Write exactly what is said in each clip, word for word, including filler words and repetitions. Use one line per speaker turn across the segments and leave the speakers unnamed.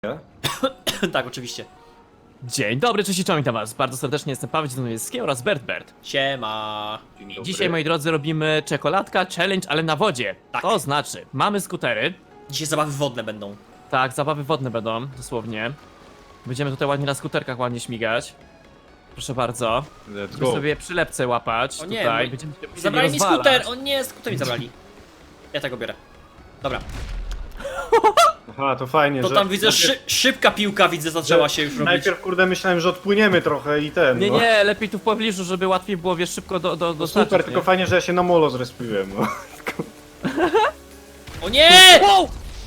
Tak, oczywiście.
Dzień dobry, cześć i czołem, witam was bardzo serdecznie, jestem Paweł Dziedzinowiecki oraz Bert Bert.
Siema.
I dzisiaj, moi drodzy, robimy czekoladka challenge, ale na wodzie.
Tak.
To znaczy, mamy skutery,
Dzisiaj zabawy wodne będą.
tak, zabawy wodne będą, dosłownie. Będziemy tutaj ładnie na skuterkach ładnie śmigać. Proszę bardzo.
Let's
Będziemy
go.
sobie przylepce łapać
O nie,
tutaj.
mój-
Będziemy się musieli
Zabrali mi
rozwalać.
skuter! O nie, skuter mi zabrali. Ja tego biorę. Dobra.
Aha, to fajnie,
To
że...
tam widzę, szy szybka piłka widzę, zaczęła się już robić.
Najpierw, kurde, myślałem, że odpłyniemy trochę i ten,
Nie,
no.
nie, lepiej tu w pobliżu, żeby łatwiej było, wiesz, szybko do, do,
No
dostarczyć,
super,
nie?
tylko fajnie, że ja się na molo zrespiłem, no.
O nie!
Wow!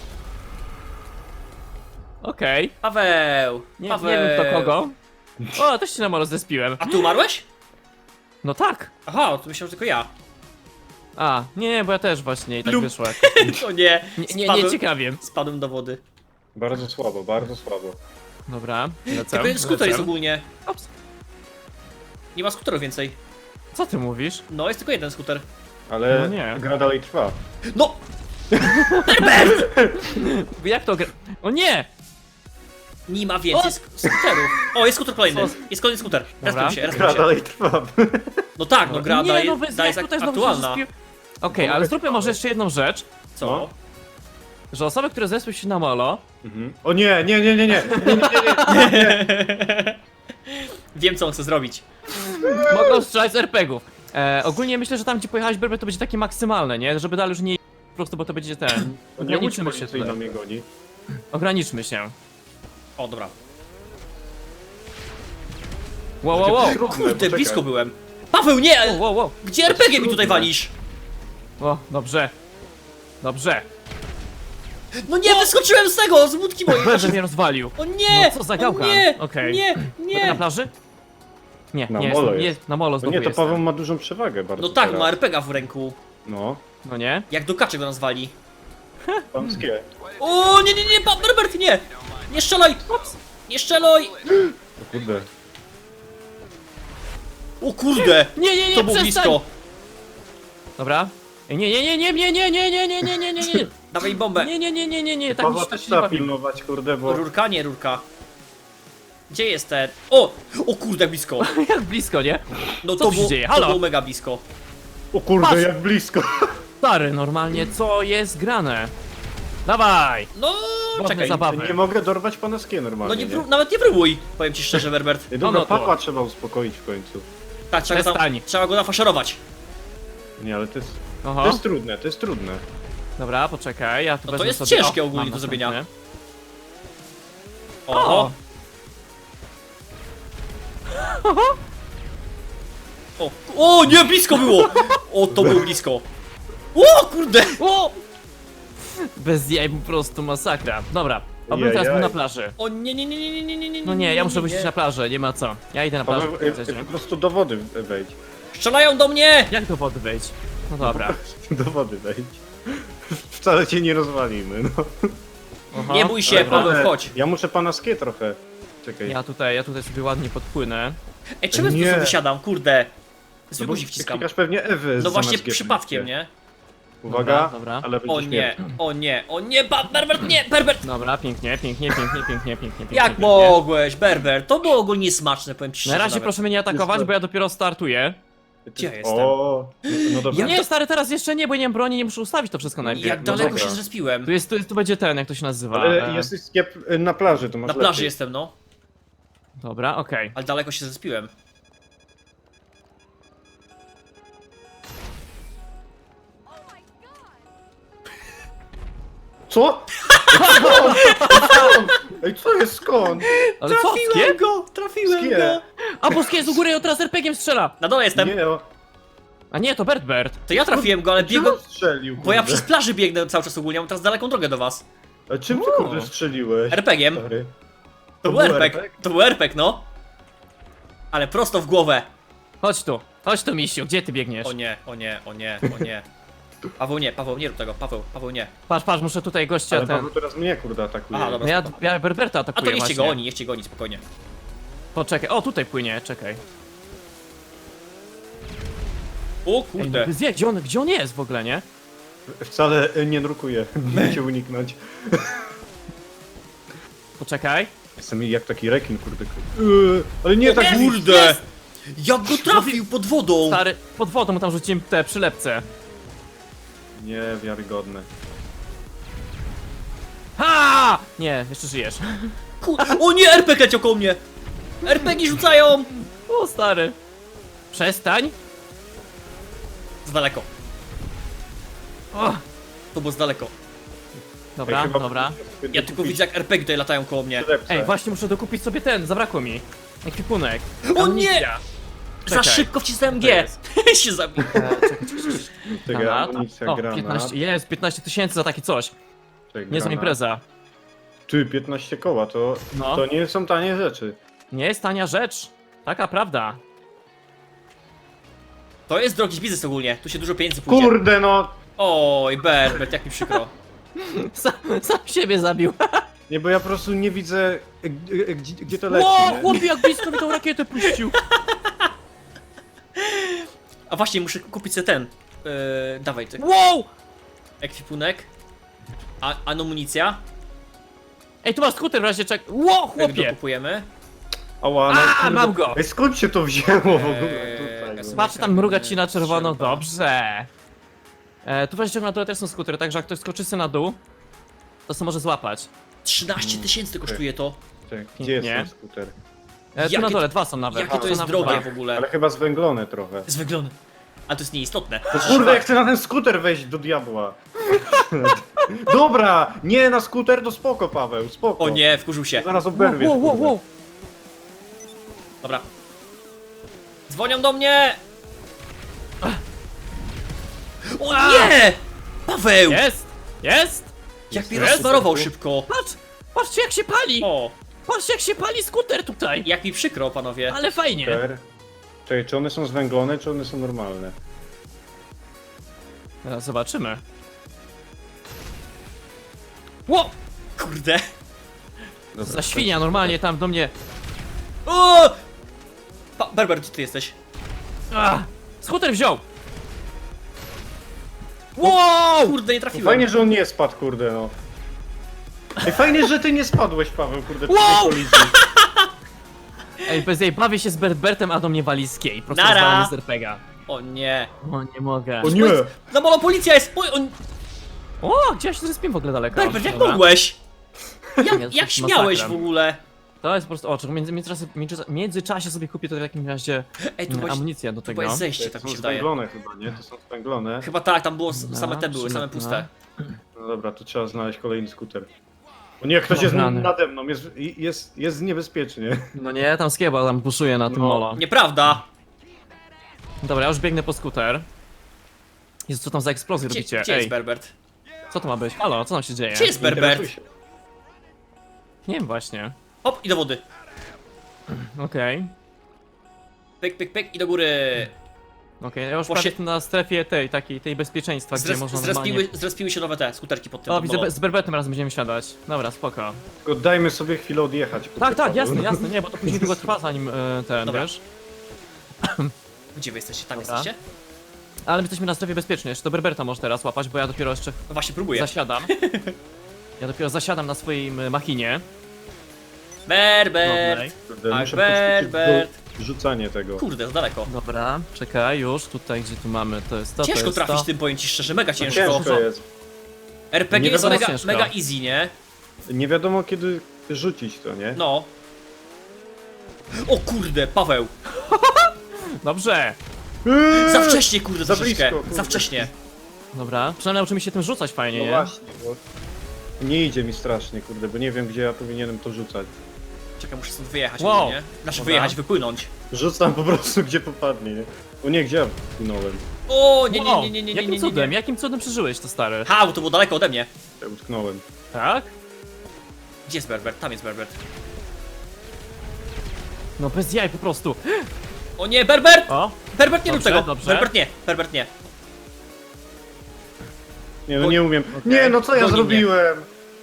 Okej,
Paweł!
nie,
Paweł!
nie wiem kto kogo. O, też się na molo zespiłem.
A ty umarłeś?
No tak.
Aha, to myślałem, że tylko ja.
A, nie, bo ja też właśnie i tak
Lub.
wyszło.
O nie!
Nie, nie,
Spadłem-
nie ciekawie.
Spadłem do wody.
Bardzo słabo, bardzo słabo.
Dobra, lecę.
Tylko jeden skuter jest
lecę.
ogólnie.
Ops.
Nie ma skuterów więcej.
Co ty mówisz?
No, jest tylko jeden skuter.
Ale
No nie.
gra dalej trwa.
No!
Jak to gra... O nie!
Nie ma więcej sk skuterów. O, jest skuter kolejny.
Co?
Jest kolejny skuter.
Dobra.
Respił się, respił
Gra
się.
dalej trwa.
No tak, no gra
nie,
daje,
no bez
daje
jak
jest
tutaj znowu się
aktualna.
zespił- Okej, ale zróbmy może jeszcze jedną rzecz,
Co?
No.
że osoby, które zespią się na molo,
Mhm. O nie, nie, nie, nie, nie, nie, nie, nie, nie.
Wiem, co on chce zrobić.
mogą strzelać z er pe gów. E, ogólnie myślę, że tam gdzie pojechałeś Berber to będzie takie maksymalne, nie? Żeby dalej już nie... Po prostu, bo to będzie ten...
O nie, łódź
Ograniczmy się
policyjna
tutaj.
mnie goni.
Ograniczmy się.
O, dobra.
Wow, wow, wow.
Trudne,
Kurde,
poczekaj.
blisko byłem. Paweł, nie!
Wow, wow, wow.
Gdzie er pe gie mi tutaj walisz?
O, dobrze. Dobrze.
No nie, wyskoczyłem z tego, z łódki mojej.
Berber mnie rozwalił.
O nie!
No co za
o
gałkan.
nie!
Okej.
Nie,
Będę na
nie!
plaży? Nie,
Na
nie,
molo
jest, nie
jest.
jest, na molo
No
znowu
nie, to
jestem.
Paweł ma dużą przewagę bardzo
No tak,
teraz.
ma er pe gie w ręku.
No,
No nie?
Jak do kaczek go nas wali.
panskie.
O nie, nie, nie, pa, Berbert, nie! Nie strzelaj! Nie strzelaj!
O kurde.
O kurde!
Nie, nie, nie,
To było
przestań!
blisko.
Dobra. Ej, Nie, nie, nie, nie, nie, nie, nie, nie, nie, nie, nie, nie, nie.
Dawaj bombę.
Nie, nie, nie, nie, nie, nie, tak mi
Pawła
się tak
też
się nie
trzeba
bawi.
pilnować, kurde, bo...
Rurka, nie rurka. Gdzie jest ten? O! O kurde, blisko.
Jak blisko, nie?
No
Co
to
tu się
było,
dzieje?
to
Halo?
było mega blisko.
O kurde,
Patrz.
jak blisko.
Stary, normalnie, co jest grane? Dawaj!
No,
Wodne
czekaj.
zabawy.
Nie mogę dorwać panoskie
No
normalnie,
nie,
nie?
prób- nawet nie próbuj, powiem ci szczerze, Berbert.
Ej,
No,
dobra,
no to-
Pawła trzeba uspokoić w końcu.
Tak, trzeba go, tam,
Przestań.
trzeba go nafaszerować.
Nie, ale to jest... To
Oho.
jest trudne, to jest trudne.
Dobra, poczekaj, ja tu
No to
wezmę
jest
sobie...
ciężkie
O,
ogólnie
mam
do zrobienia.
następny.
Oho. O, o nie, blisko było! O, to było blisko. O, kurde!
O! Bez jaj, po prostu masakra. Dobra, obym teraz był
Jajaj.
na plaży.
O nie, nie, nie, nie, nie, nie, nie, nie,
No nie, ja muszę
nie.
wyjść na plażę, nie ma co. Ja idę na plażę.
Paweł, e, e, po prostu do wody wejdź.
Strzelają do mnie!
Jak do wody wejść? No dobra.
Do wody wejdź. Wcale cię nie rozwalimy, no.
Oho.
Nie bój się,
Dobra.
Paweł,
Ale
chodź.
Ja muszę panoskie trochę. Czekaj.
Ja tutaj, ja tutaj sobie ładnie podpłynę.
Ej, czemu ja tu
Nie.
sobie wysiadam, kurde? Zwykły
No bo
guzik wciskam.
klikasz pewnie Ewy
No właśnie
zamiast G
przypadkiem,
wciskać.
nie?
Uwaga,
Dobra, dobra.
ale będzie
O nie,
śmierć.
o nie, o nie, ba- Berbert, nie, Berbert!
Dobra, pięknie, pięknie, pięknie, pięknie, pięknie, pięknie.
Jak
pięknie.
mogłeś, Berbert? To było ogólnie smaczne, powiem ci szczerze
Na razie
nawet.
proszę mnie nie atakować,
Jest-
bo ja dopiero startuję.
Gdzie ja jestem?
O, no, no dobra.
Nie, stary, teraz jeszcze nie, bo nie mam broni, nie muszę ustawić to wszystko najpierw.
Jak
no
daleko
dobra.
się zrespiłem?
Tu jest, tu jest, tu będzie ten, jak to się nazywa.
Ale
e,
jesteś skiep na plaży, to masz
Na plaży
lepiej.
jestem, no.
Dobra, okej.
Ale daleko się zrespiłem.
Co? Skąd? Skąd? Ej, co jest skąd?
Ale co, skie?
go, trafiłem
Skie.
A, bo skie jest u góry, on teraz er pe giem strzela.
Na dole jestem.
Nie, o.
A nie, to Bert Bert.
To ja trafiłem go, ale
Czemu
biegłem...
strzelił,
Bo ja
kurde?
przez plaży biegnę cały czas ogólnie, mam teraz daleką drogę do was.
A czym ty
O.
kurde strzeliłeś?
er pe giem.
Stary?
To był er pe gie. To był er pe gie, no. Ale prosto w głowę.
Chodź tu, chodź tu, misiu, gdzie ty biegniesz?
O nie, o nie, o nie, o nie. Paweł nie, Paweł nie rób tego, Paweł, Paweł nie.
Patrz, patrz, muszę tutaj gościa
Ale
ten...
Paweł teraz mnie kurde atakuje.
Aha, dobra.
No ja, ja Berberta
A
atakuję
to niech cię
właśnie.
goni, niech cię goni, spokojnie.
Poczekaj, o tutaj płynie, czekaj.
O
Ej,
kurde.
no, gdzie, gdzie, on, gdzie on jest w ogóle, nie?
Wcale e, nie nurkuję, nie cię uniknąć.
Poczekaj.
Jestem jak taki rekin, kurde. Yy, ale nie tak...
Kurde! Jak go trafił pod wodą!
Stary, pod wodą mu tam rzuciłem te przylepce.
Niewiarygodne.
Ha! Nie, jeszcze żyjesz.
Kur... O nie, R P G leciał koło mnie! R P G rzucają!
O, stary. Przestań.
Z daleko.
O,
To było z daleko.
dobra,
Ej, chyba
dobra.
Ja tylko widzę jak R P G tutaj latają koło mnie.
Przylepce.
Ej, właśnie muszę dokupić sobie ten, zabrakło mi. Ekwipunek.
O
Amunicja.
nie! Za
Czekaj.
szybko wcisnąłem
To
G!
jest.
się zabił.
E, czekaj, czekaj, czekaj.
Czekaj,
Granat.
amunicja,
O,
granat.
piętnaście, jest, piętnaście tysięcy za takie coś.
Czekaj,
Niezła
granat.
impreza.
Ty, piętnaście koła, to,
No.
to nie są tanie rzeczy.
Nie jest tania rzecz. Taka prawda.
To jest drogi biznes ogólnie, tu się dużo pieniędzy pójdzie.
Kurde no!
Oj, Berbert, jak mi przykro.
Sam, sam siebie zabił.
Nie, bo ja po prostu nie widzę, e, e, gdzie, gdzie to leci,
Ło,
nie?
chłopie, jak blisko mi tą rakietę puścił.
A właśnie, muszę kupić sobie ten. Yy, dawaj, ty.
Wow!
Ekwipunek. A amunicja.
Ej, tu masz skuter w razie czek. Ło,
Jak
chłopie!
dokupujemy.
Ała, no,
A,
kurde.
mam go.
Ej, skąd się to wzięło w ogóle
Eee,
tutaj?
gasowa-
No.
Patrz, tam mruga ci na czerwono,
Trzeba.
dobrze. E, tu właśnie na dole też są skutery, także jak ktoś skoczy sobie na dół, to se może złapać.
trzynaście tysięcy kosztuje to.
Czekaj, gdzie jest
Pięknie.
ten skuter?
E, tu
Jakie
na dole,
to-
dwa są nawet.
Jakie to
Są
jest
nawet
drogie
dwa.
w ogóle.
Ale chyba zwęglone trochę.
Zwęglone. A to jest nieistotne.
No kurde, ja chcę na ten skuter wejść do diabła. Dobra, nie na skuter, to spoko, Paweł, spoko.
O nie, wkurzył się.
Zaraz
Wow,
oberwiesz,
wow, wow,
kurde.
wow.
Dobra. Dzwonią do mnie! O nie! Paweł!
Jest! Jest!
Jak mnie
Jest?
rozsmarował szybko.
Patrz! Patrzcie jak się pali!
O,
Patrzcie jak się pali skuter tutaj!
jak mi przykro, panowie.
Ale fajnie!
Skuter. Czekaj, czy one są zwęglone, czy one są normalne?
Teraz zobaczymy. Ło!
Kurde.
Dobra,
Za świnia normalnie tam do mnie.
O! Pa Berber, gdzie ty jesteś?
Ah, skuter wziął! Wow!
Kurde, nie trafiłem.
Fajnie, że on nie spadł, kurde, no. Ej, fajnie, że ty nie spadłeś, Paweł, kurde, przy
Wow!
tej kolizji.
Ej, bez jej bawię się z Berbertem, a do mnie wali z kiej. Prosto
Nara!
rozwalamy z R P G a.
O nie.
O, nie mogę.
O nie!
Za mało policja jest! Oj, on...
O, gdzie ja się zrespiłem w ogóle daleko?
Berber, jak
Dobra.
mogłeś?
Nie,
Jak,
to
jak
jest
śmiałeś
masakra.
w ogóle?
To jest po prostu oczek. Między, międzyczasie, między, międzyczasie sobie kupię to w takim razie
Ej, tu
mm,
właśnie,
amunicję do
tu
tego.
jest zejście,
To
tak mi
są
się wydaje.
zwęglone chyba, nie? To są zwęglone.
Chyba tak, tam było, s-
No,
same te były, same
przydatne.
puste.
No dobra, to trzeba znaleźć kolejny skuter. O nie, ktoś jest
Dobra, no.
nade mną, jest, jest, jest niebezpiecznie.
No nie, tam skieba tam buszuje na tym
No.
molo.
Nieprawda!
Dobra, ja już biegnę po skuter. Jezu, co tam za eksplozję
Gdzie,
robicie?
gdzie
Ej,
jest Berbert?
co to ma być? Halo, co tam się dzieje?
Gdzie jest Berbert?
Interesuj się.
Nie wiem właśnie.
Hop, i do wody.
Okej.
Pyk, pyk, pyk i do góry.
Okej, ja już
Posie-
prawie jestem na strefie tej, takiej, tej bezpieczeństwa, gdzie
Zres,
można normalnie...
zrespiły, zrespiły się nowe te skuterki pod tym.
O,
pod
widzę,
molo.
be- z Berbetem razem będziemy siadać. Dobra, spoko.
Tylko dajmy sobie chwilę odjechać. kurde,
Tak, tak,
Paweł.
jasne, jasne, nie, bo to później długo trwa zanim e, ten,
Dobra.
wiesz?
Gdzie wy jesteście? Tam
Dobra.
jesteście?
Ale my jesteśmy na strefie bezpiecznej, jeszcze to Berberta może teraz łapać, bo ja dopiero jeszcze
No właśnie, próbuję.
zasiadam. Ja dopiero zasiadam na swojej m, machinie.
Berbert!
Dobrej.
Kurde,
Tak,
muszę
Berbert.
poćwiczyć do rzucanie tego.
Kurde, to daleko.
Dobra, czekaj, już tutaj, gdzie tu mamy, to jest to, to
Ciężko
jest
trafić
to.
tym, powiem ci szczerze, mega ciężko.
Ciężko jest.
R P G
Nie
jest
wiadomo,
mega,
ciężko.
mega easy, nie?
Nie wiadomo kiedy rzucić to, nie?
No. O kurde, Paweł!
Dobrze!
Eee,
Za wcześnie, kurde,
Za
troszeczkę.
blisko, kurde.
Za wcześnie.
Dobra, przynajmniej nauczymy się tym rzucać fajnie,
No
nie?
właśnie, bo nie idzie mi strasznie, kurde, bo nie wiem gdzie ja powinienem to rzucać.
Czekaj, muszę stąd wyjechać,
Wow.
nie? Znaczy
Dobra.
wyjechać, wypłynąć.
Rzucam po prostu gdzie popadnie, nie? O nie, gdzie ja płynąłem?
O, nie, nie,
Wow,
nie, nie, nie, nie,
jakim
nie, nie,
cudem,
nie.
jakim cudem przeżyłeś to, stary?
Ha, bo to było daleko ode mnie.
Ja utknąłem.
Tak?
Gdzie jest Berbert? Tam jest Berbert.
No bez jaj po prostu.
O nie, Berbert!
O,
Berbert, nie rób
Dobrze,
tego!
dobrze.
Berbert nie, Berbert nie.
Nie no
O-
nie umiem.
Okej.
Nie no co ja
Goni mnie.
zrobiłem?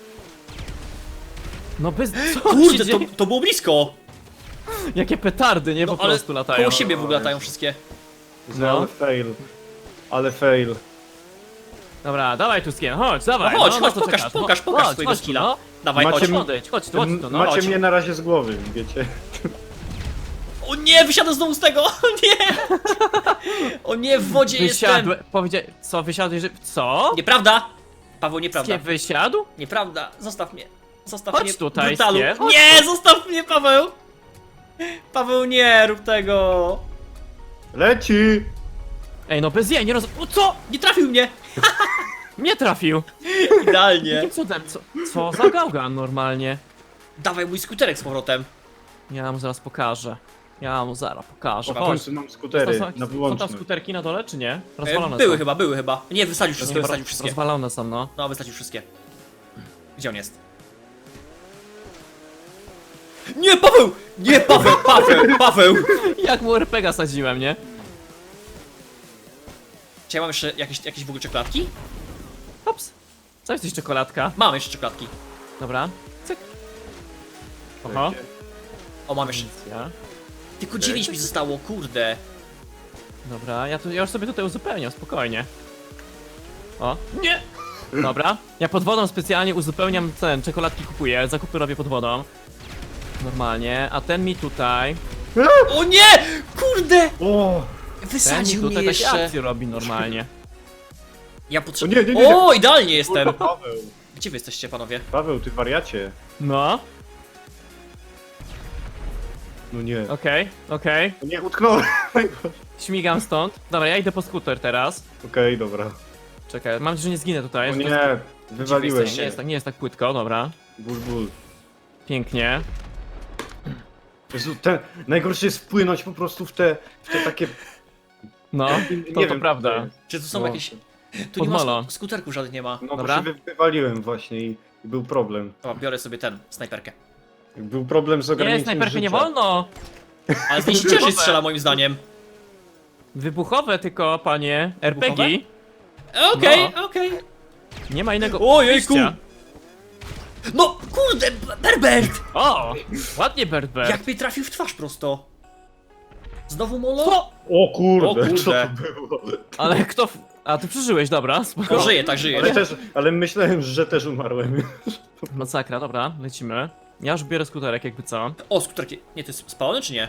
no bez... Co
Kurde,
się
to,
dzieje?
to było blisko!
Jakie petardy, nie?
No
Po
ale
prostu latają.
koło siebie w ogóle
No,
latają
jest.
wszystkie.
No. Ale fail. Ale fail.
Dobra, dawaj tu skien, chodź, dawaj.
No chodź,
no,
chodź,
to
pokaż,
czekasz,
pokaż,
no,
pokaż
chodź,
swojego
chodź tu,
skilla.
No.
Dawaj,
Macie
chodź.
mi-
Odejdź, chodź tu, chodź tu, no.
Macie
chodź.
mnie na razie z głowy, wiecie.
O nie, wysiadam znowu z tego! O nie! O nie, w wodzie jestem!
Wysiadł, powiedział, co, wysiadłeś, że... Co?
Nieprawda! Paweł, nieprawda.
Nie wysiadł?
Nieprawda, zostaw mnie. Zostaw
Chodź
mnie,
tutaj,
brutalu.
Skie, chodź
Nie, zostaw mnie, Paweł! Paweł, nie rób tego!
Leci!
Ej, no bez jej, nie roz... O, co?
Nie trafił mnie!
Nie trafił.
Idealnie.
Jakim cudem, co, co za gałgan normalnie?
Dawaj mój skuterek z powrotem.
Ja mu zaraz pokażę. Ja mu zaraz pokażę.
O, w
Chodź.
końcu mam skutery
Są-
na
Są tam
wyłączność.
skuterki na dole, czy nie?
E,
Rozwalone
były
są.
chyba, były chyba. Nie, wysadził wszystkie,
Roz-
wysadził wszystkie.
Rozwalone są, no.
No, wysadził wszystkie. Gdzie on jest? Nie, Paweł! Nie, Paweł, Paweł, Paweł!
Jak mu R P G sadziłem, nie?
Czy ja mam jeszcze jakieś, jakieś w ogóle czekoladki?
Hops. Co jest czekoladka?
Mam jeszcze czekoladki.
Dobra. Cyk. Oho.
O, mam jeszcze.
Ja.
Tylko dziewięć mi zostało, kurde.
Dobra, ja, tu, ja już sobie tutaj uzupełniam, spokojnie. O, nie! Dobra, ja pod wodą specjalnie uzupełniam ten, czekoladki kupuję, zakupy robię pod wodą. Normalnie, a ten mi tutaj,
O nie! Kurde!
O!
ten mi
Wysadził mnie
tutaj takie
jeszcze.
akcje robi normalnie.
Ja
O
potrzebuję.
nie, nie, nie, nie.
O, idealnie jestem!
Kurwa, Paweł!
Gdzie wy jesteście, panowie?
Paweł, ty wariacie.
No,
No nie.
okej, okej,
O nie, utknąłem. Okej,
śmigam stąd. Dobra, ja idę po skuter teraz.
dobra.
Czekaj, mam nadzieję, że nie zginę tutaj.
O
że to
nie,
jest-
wywaliłem
Nie
się.
jest, tak, nie jest tak płytko, dobra.
Ból, ból.
Pięknie.
Jezu, ten, najgorsze jest wpłynąć po prostu w te, w te takie...
No,
nie
to, to
wiem,
prawda.
co to jest.
Czy tu są
No.
jakieś. Tu nie ma
Podmolo.
sk- skuterków żadnych nie ma.
No
Dobra.
bo się wy, wywaliłem właśnie i, i był problem.
Dobra, biorę sobie ten, snajperkę.
Był problem z
Nie,
ograniczeniem
snajperki nie
życia.
wolno!
Ale z niej się ciężej strzela moim zdaniem.
Wybuchowe tylko, panie. R P G.
Okej,
No.
okej.
Nie ma innego
Ojejku.
wyjścia.
No, kurde, B- Berbert!
O! Ładnie, Bert Bert.
Jak mnie trafił w twarz prosto. Znowu molo?
Co?
O kurde,
O kurde.
co to było?
Ale kto... w- A, ty przeżyłeś, dobra, spoko.
No, żyje, tak żyje.
Ale też, ale myślałem, że też umarłem.
Masakra, dobra, lecimy. Ja już biorę skuterek, jakby co.
O, skuterki. Nie, to jest spalony czy nie?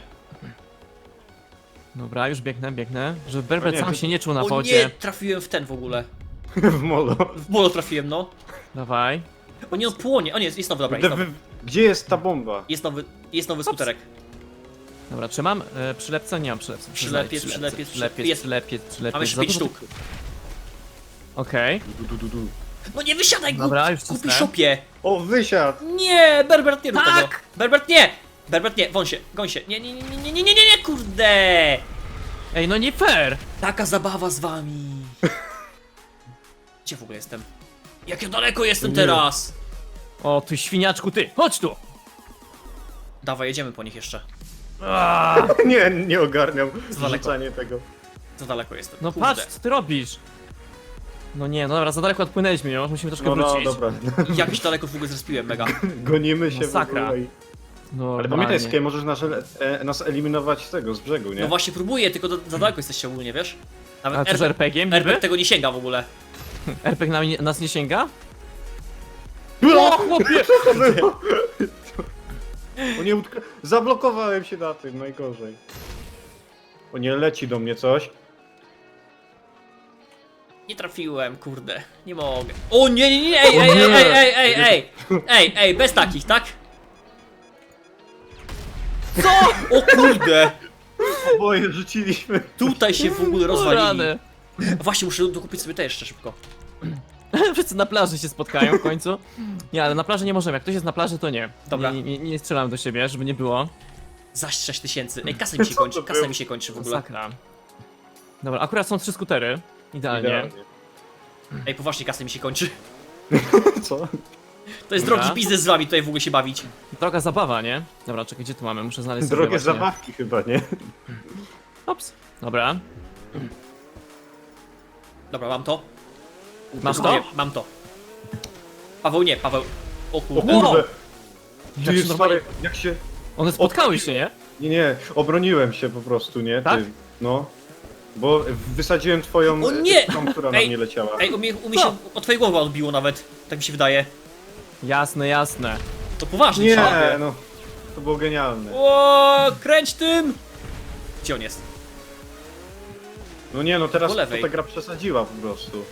Dobra, już biegnę, biegnę. Żeby Berbert
O nie,
sam
to-
się nie czuł na
O nie,
wodzie.
trafiłem w ten w ogóle.
W molo.
W molo trafiłem, no.
Dawaj.
O nie, on płonie. O nie, jest, jest nowy, dobra,
Gdzie,
jest nowy.
wy, gdzie jest ta bomba?
Jest nowy, jest nowy skuterek.
Dobra, czy mam e, przylepce? Nie mam przylepce. Muszę
Przylepiec,
znaleźć
przylepiec,
przylepiec,
jest.
przylepiec, przylepiec.
Mam jeszcze
Za
pięć
dużo
sztuk.
tych- Okej.
Du, du, du, du.
No nie wysiadaj,
Dobra,
głupi,
już
głupi
cisnę.
szopie.
O, wysiadł!
Nie, Berbert, nie rób
Tak!
tego. Berbert, nie! Berbert, nie, wąś się, goń się. Nie, nie, nie, nie, nie, nie, nie, nie, nie, kurde!
Ej, no nie fair!
Taka zabawa z wami. Gdzie w ogóle jestem? Jak ja daleko jestem
Nie.
teraz?
O, ty świniaczku, ty! Chodź tu!
Dawaj, jedziemy po nich jeszcze.
Aaa,
Nie, nie ogarniam
daleko.
wrzucanie tego.
Za daleko jestem.
no
Kurde.
patrz, co ty robisz? No nie, no dobra, za daleko odpłynęliśmy, już musimy troszkę
No, no,
wrócić.
dobra.
Jakiś daleko w ogóle zrespiłem, mega.
Gonimy się w
Masakra.
ogóle. i-
No,
Ale pamiętaj, Skie, możesz nas, e, nas eliminować z tego, z brzegu, nie?
No właśnie próbuję, tylko do, za daleko jesteście ogólnie, wiesz? Nawet
A to z
R-
R P G-iem
R P
niby?
tego nie sięga w ogóle.
R P G nam nie, nas nie sięga?
O,
chłopie!
Co to było? O nie, utka... zablokowałem się na tym, najgorzej. O nie, leci do mnie coś.
Nie trafiłem, kurde. Nie mogę. O nie, nie, nie, ej, ej, ej, ej, ej, ej, ej, ej, ej, bez takich, tak? Co? O kurde!
Oboje rzuciliśmy.
Tutaj się w ogóle
O,
rozwalili.
rany.
Właśnie, muszę dokupić sobie te jeszcze szybko.
Wszyscy na plaży się spotkają w końcu. Nie, ale na plaży nie możemy, jak ktoś jest na plaży, to nie.
Dobra.
Nie, nie, nie strzelam do siebie, żeby nie było.
Zaś sześć tysięcy. Ej, kasa mi się
Co
kończy,
to
kasa
było?
mi się kończy w ogóle.
Masakra. Dobra, akurat są trzy skutery. Idealnie.
Idealnie.
Ej, poważnie, kasa mi się kończy.
Co?
To jest
Dobra.
drogi biznes z wami tutaj w ogóle się bawić.
Droga zabawa, nie? Dobra, czekaj, gdzie tu mamy? Muszę znaleźć sobie
Drogie
właśnie.
zabawki chyba, nie?
Ops. Dobra.
Dobra, mam to.
Masz
Nie,
to?
mam to. Paweł nie, Paweł. O
O
kurde.
Wow.
kurde!
Jak
Ty
się
jest
normalnie-
stary, jak się...
One spotkały się, nie?
Nie, nie, obroniłem się po prostu, nie? Ty,
Tak?
no. Bo wysadziłem twoją...
O nie!
Tą, która na
Ej,
mnie leciała.
Ej, u mnie, u mnie
Co?
się od twojej głowy odbiło nawet. Tak mi się wydaje.
Jasne, jasne.
To poważnie,
Nie,
czapie.
no. To było genialne.
O, kręć tym! Gdzie on jest?
No nie, no teraz
Po lewej.
to ta gra przesadziła po prostu.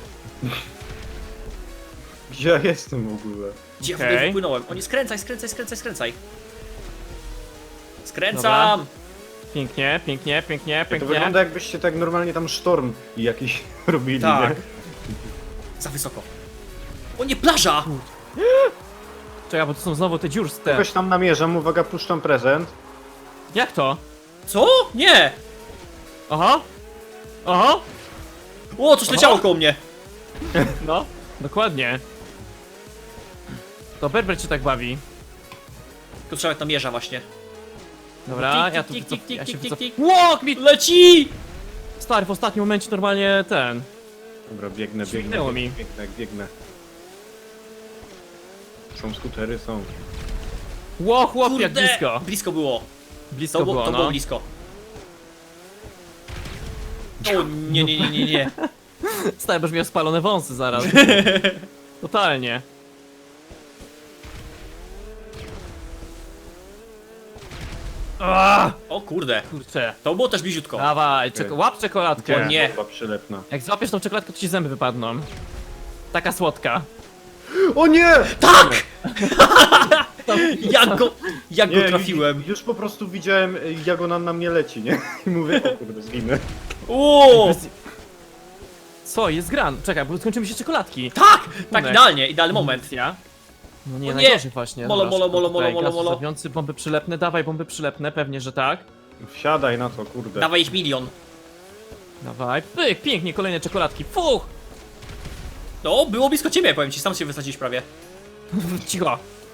Gdzie ja jestem w ogóle?
Gdzie ja w
Okej.
ogóle wypłynąłem? Oni skręcaj, skręcaj, skręcaj, skręcaj. Skręcam!
Pięknie, pięknie, pięknie,
To
pięknie.
wygląda jakbyście tak normalnie tam sztorm jakiś robili,
Tak.
nie?
Za wysoko. O nie, plaża!
Czekaj, bo to są znowu te dziurste.
Kogoś tam namierzam, uwaga, puszczam prezent.
Jak to?
Co? Nie!
Aha! Aha!
O, coś leciało koło mnie.
No, dokładnie. To Berber cię tak bawi.
Tylko trzeba tam mierza właśnie.
Dobra,
Tik,
ja
tik,
tu
tik,
wycof-
tik,
ja się
tik, tik,
wycof-
tik.
Łok mi!
Leci!
Stary, w ostatnim momencie normalnie ten.
Dobra, biegnę, biegnę,
Śmignęło
biegnę,
mi.
biegnę, biegnę. Są skutery, są.
Ło, chłop, jak
Kurde!
blisko.
Blisko było.
Blisko
To,
było,
było, to
no.
było blisko. O nie, nie, nie, nie, nie.
Stary, będziesz miał spalone wąsy zaraz. Totalnie. Ah,
O kurde.
kurczę.
To było też bliziutko.
Dawaj, czek łap czekoladkę.
O nie.
Chyba przylepna.
Jak złapiesz tą czekoladkę, to ci zęby wypadną. Taka słodka.
O nie!
Tak! Jak go, jak go trafiłem.
Już, już po prostu widziałem, jak ona na mnie leci, nie? I mówię, o kurde, zginę.
O!
Co, jest gran? Czekaj, bo skończymy się czekoladki.
Tak! Tak,
Tomek.
idealnie, idealny moment.
Ja? No nie,
O nie!
najgorzej właśnie.
Molo,
Dobra,
molo,
szybko
molo,
tutaj,
molo,
gaz
molo.
zostawiający, bomby przylepne, dawaj bomby przylepne, pewnie, że tak.
Wsiadaj na to, kurde.
Dawaj ich milion.
Dawaj, pyk, pięknie, kolejne czekoladki, fuch!
No, było blisko ciebie, powiem ci, sam się wysadziłeś prawie.
Cicho.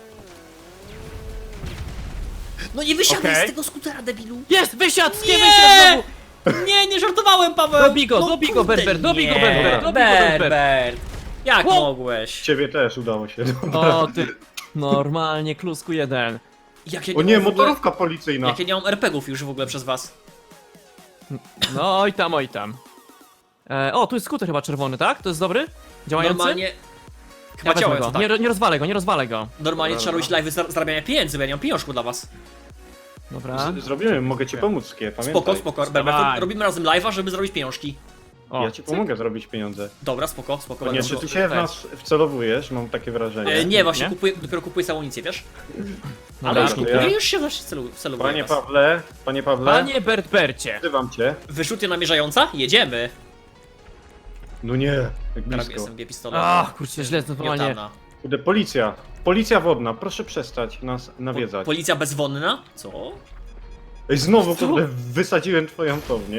No nie wysiadaj
Okej.
z tego skutera, debilu.
Jest, wysiadł, nie
Nie!
wysiadł znowu!
Nie, nie żartowałem, Paweł!
Dobij go,
No
dobij go,
kurde,
Berber, dobij go,
nie.
Berber, dobij go, Berber.
Berber. Jak
Wow.
mogłeś?
Ciebie też udało się. Dobra.
O ty, normalnie, klusku jeden.
Jak ja
O nie,
mam w ogóle-
motorówka policyjna.
Jak ja nie mam er pe gów już w ogóle przez was.
No, oj tam, oj tam. E, o, tu jest skuter chyba czerwony, tak? To jest dobry? Działający?
Normalnie...
Ja
Chyba
wezmę
działający,
go.
tak.
Nie, ro- nie rozwalę go, nie rozwalę go.
Normalnie
Dobra,
trzeba robić
dobra.
live'y z zarabiania pieniędzy, bo ja nie mam pieniążku dla was.
Dobra.
Z- Zrobimy, mogę ci pomóc, Kie, pamiętaj.
Spoko, spoko, Berber, to
Dawaj.
robimy razem live'a, żeby zrobić pieniążki.
O,
Ja ci pomogę zrobić pieniądze.
Dobra, spoko, spoko.
Nie,
będę
czy
go-
ty się w
tak.
nas wcelowujesz? Mam takie wrażenie.
E, nie, właśnie
Nie?
Kupuję, dopiero kupuję samą amunicję, wiesz?
no
Ale już
dobra,
kupuję,
ja-
już się właśnie celu, celowuję
Panie
was.
Pawle, panie Pawle,
Panie Bert Bercie.
wzywam cię.
Wyrzutnie namierzająca? Jedziemy.
No nie, jak
Teraz
blisko.
S M G pistolet.
Ach, kurczę, źle, to normalnie.
Miotana.
Kurde, policja. Policja wodna, proszę przestać nas
Po,
nawiedzać.
policja bezwonna? Co?
Ej, znowu,
Co?
kurde, wysadziłem twoją tą, nie?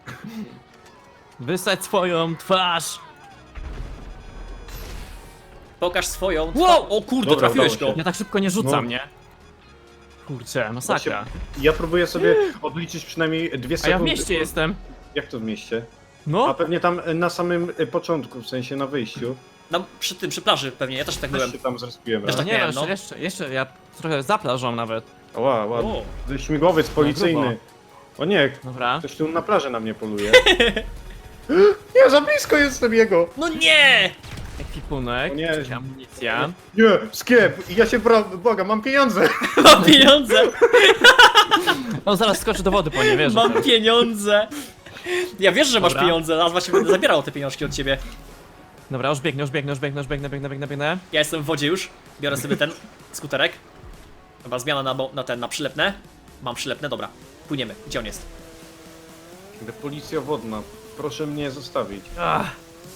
Wysadź swoją twarz.
Pokaż swoją.
Wow!
O kurde,
Dobra,
trafiłeś
udało
go.
się.
Ja tak szybko nie rzucam,
No.
nie? Kurczę, masakra.
Ja próbuję sobie odliczyć przynajmniej dwie
A
sekundy.
ja w mieście jestem.
Jak to w mieście? A
No,
pewnie tam e, na samym e, początku, w sensie na wyjściu.
Tam przy tym, przy plaży pewnie, ja też tak byłem.
Też się tam zrespiłem
Też
raz.
tak
nie, no,
miałem,
jeszcze,
no.
jeszcze, jeszcze, ja trochę za plażą nawet.
Ła, ładnie.
O.
Śmigłowiec policyjny. O nie,
Dobra.
ktoś tu na plaży na mnie poluje. Nie, za blisko jestem jego!
No nie!
Ekwipunek,
O nie.
czyli amunicja.
Nie, skiep, ja się bra... błagam, mam pieniądze!
Mam pieniądze!
On zaraz skoczy do wody po nie, wiesz.
Mam pieniądze! Ja wiesz, że masz
Dobra.
pieniądze, a właśnie będę zabierał te pieniążki od ciebie.
Dobra, już biegnę, już biegnę, już biegnę, już biegnę, biegnę, biegnę, biegnę.
Ja jestem w wodzie już, biorę sobie ten skuterek. Dobra, zmiana na, bo- na ten, na przylepne. Mam przylepne, dobra. Płyniemy, gdzie on jest?
Kurde, policja wodna, proszę mnie zostawić.
Ach,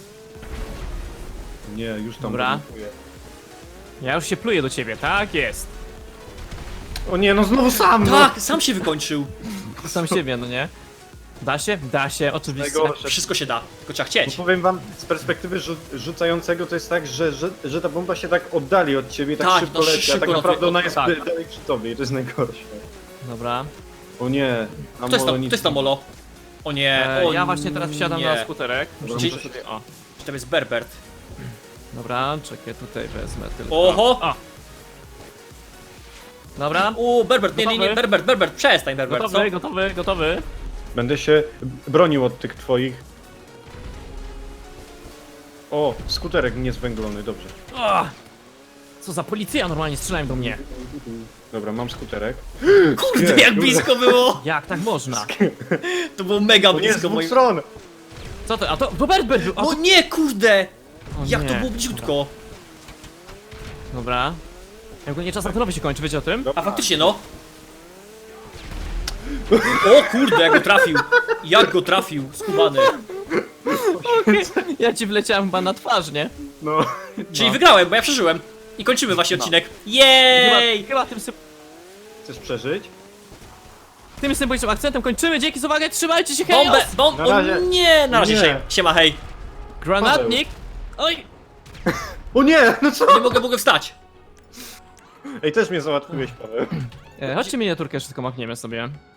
Nie, już tam
Dobra.
panikuję.
ja już się pluję do ciebie, tak jest.
O nie, no znowu sam! no.
Tak, sam się wykończył.
Sam siebie, no nie? Da się? Da się, oczywiście.
Najgorsze.
Wszystko się da, tylko trzeba
Bo
chcieć.
powiem wam, z perspektywy rzu rzucającego to jest tak, że, że, że ta bomba się tak oddali od ciebie, tak,
Tak,
szybko
no,
leci, a
szybko
tak
na
naprawdę
twój-
ona jest
tak.
da- dalej przy tobie i to jest najgorsze.
Dobra.
O nie, a
Kto jest
molo
tam,
nic
kto jest tam, Molo? O nie,
E,
o
ja właśnie teraz wsiadam
nie.
na skuterek.
Dobra,
Muszę
muszę-
sobie, o.
Czy to jest Berbert?
Dobra, czekaj, tutaj wezmę tylko.
Oho!
O. Dobra.
O, Berbert, nie, nie, nie,
Gotowy?
Berbert, Berbert, przestań, Berbert, co?
Gotowy, gotowy, gotowy.
Będę się bronił od tych twoich. O, skuterek niezwęglony, dobrze.
O. Co za policja normalnie strzelają do mnie.
Dobra, mam skuterek.
Kurde, jak blisko było!
Jak tak można?
To było mega
To nie jest z
blisko
dwóch
moim...
stron!
Co to? A to, to Bert Bert był! A
No
to...
nie, kurde!
O
Jak
nie.
to było bliziutko!
Dobra. Ja ogólnie czas aktorowy się kończy, wiecie o tym?
A faktycznie, no. O kurde, jak go trafił! Jak go trafił, skubany.
Ja ci wleciałem chyba na twarz, nie?
No.
Czyli
No.
wygrałem, bo ja przeżyłem. I kończymy właśnie
No.
odcinek.
Chyba,
Jej!
chyba tym, sy-
Chcesz przeżyć?
tym symbolicznym akcentem kończymy. Dzięki za uwagę, trzymajcie się, hej!
Bombę! Bom...
Na
O
razie.
nie! Na razie,
Nie.
siema, siema, hej.
Granatnik! Oj!
O nie, no co?
Nie mogę, mogę wstać.
Ej, też mnie załatwiłeś, Paweł.
E, chodźcie miniaturkę, wszystko machniemy sobie.